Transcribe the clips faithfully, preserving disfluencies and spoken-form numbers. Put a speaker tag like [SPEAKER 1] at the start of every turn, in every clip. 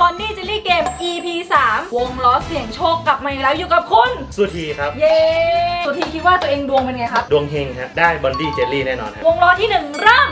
[SPEAKER 1] Bonnie Jelly Game อี พี สาม วงล้อเสี่ยงโชคกลับมาอีกแล้วอยู่กับคุณ
[SPEAKER 2] สุธีครับ
[SPEAKER 1] เย้สุธีคิดว่าตัวเองดวงเป็นไงครับ
[SPEAKER 2] ดวงเฮงฮะได้บอนดี้เจลลี่แน่นอนครับ
[SPEAKER 1] วงล้อที่หนึ่งเริ่ม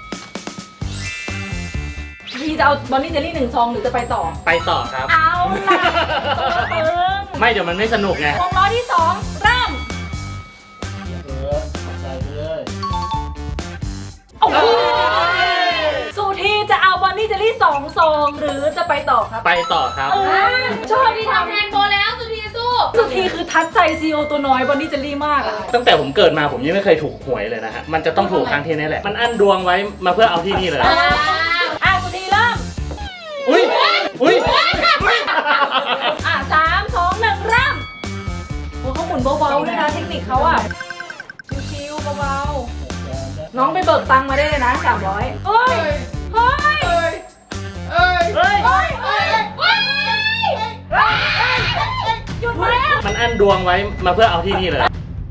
[SPEAKER 1] พี่จะเอาบอนนี่เจลลี่หนึ่งซองหรือจะไปต่อ
[SPEAKER 2] ไปต่อครับ
[SPEAKER 1] เอาล่ะเอิง
[SPEAKER 2] ไม่เดี๋ยวมันไม่สนุกไง
[SPEAKER 1] วงล้อที่สองเริ่ม
[SPEAKER 3] เออใส่เลย
[SPEAKER 1] โอ้โหสุธีจะเอาบอนนี่เจลลี่สองซองหรือจะไปต่อครับ
[SPEAKER 2] ไปต่อครับ
[SPEAKER 1] ชอบ
[SPEAKER 4] ที่ทำแทนโบแล้วสุธีสู้
[SPEAKER 1] สุธีคือทัดใจซีโอตัวน้อยบอนนี่เจลลี่มากอะ
[SPEAKER 2] ตั้งแต่ผมเกิดมาผมยังไม่เคยถูกหวยเลยนะฮะมันจะต้องถูกครั้งที่นี้แหละมันอั้นดวงไว้มาเพื่อเอาที่นี่เลย
[SPEAKER 1] อ่ะสุธีเริ่ม
[SPEAKER 2] อุ้ยอุ้ย
[SPEAKER 1] อ่ะสามสองหนึ่งเริ่มโอ้เขาหมุนเบาๆด้วยนะเทคนิคเขาอะชิวๆเบาๆน้องไปเบิกตังค์มาได้เลยนะสามร้อยเฮ้ยเฮ้ยเฮ้ย
[SPEAKER 2] เฮ้ยเฮ้ยเฮ้ย
[SPEAKER 1] เฮ้ยหยุดแล้ว
[SPEAKER 2] มันอั้นดวงไว้มาเพื่อเอาที่นี่เลย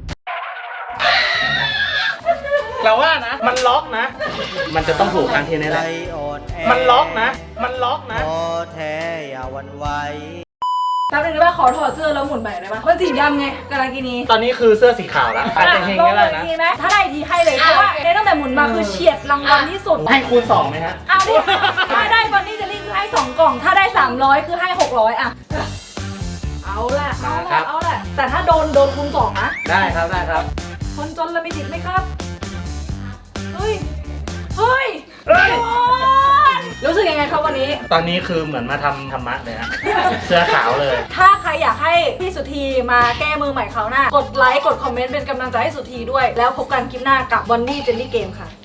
[SPEAKER 2] เราว่านะมันล็อกนะมันจะต้องถูกครั้งที่นี้แหละมันล็อกนะมันล็อกนะ
[SPEAKER 3] พอแท้อย่าวันไหว
[SPEAKER 1] แป๊บนึงได้ป่ะขอถอดเสื้อแล้วหมุนใหม่ได้ป่ะมันสีดำไงกาลากินี
[SPEAKER 2] ตอนนี้คือเสื้อสีขาวแล้วอาจจะเฮงก็ได้นะ
[SPEAKER 1] ถ้าได้ทีให้เลยเพราะว่าในตั้งแต่หมุนมาคือเฉียดรางวัลที่สุด
[SPEAKER 2] ให้คูณสองไหมฮะ
[SPEAKER 1] เอาดิถ้าได้บอนนี่เจลลี่คือให้สองกล่องถ้าได้สามร้อยคือให้หกร้อยอ่ะเอาแหละเอาแหละเอาแหละแต่ถ้าโดนโดนคูณสองนะ
[SPEAKER 2] ได้ครับได้ครับ
[SPEAKER 1] คนจนเรามีสิทธิ์ไหมครับเฮ้ยเฮ้ยรู้สึกยังไงครับวันนี้
[SPEAKER 2] ตอนนี้คือเหมือนมาทำธรรมะเลยฮะเสื้อขาวเลย
[SPEAKER 1] ถ้าใครอยากให้พี่สุธีมาแก้มือใหม่คราวหน้ากดไลค์กดคอมเมนต์เป็นกำลังใจให้สุธีด้วยแล้วพบกันคลิปหน้ากับบอนนี่เจลลี่เกมค่ะ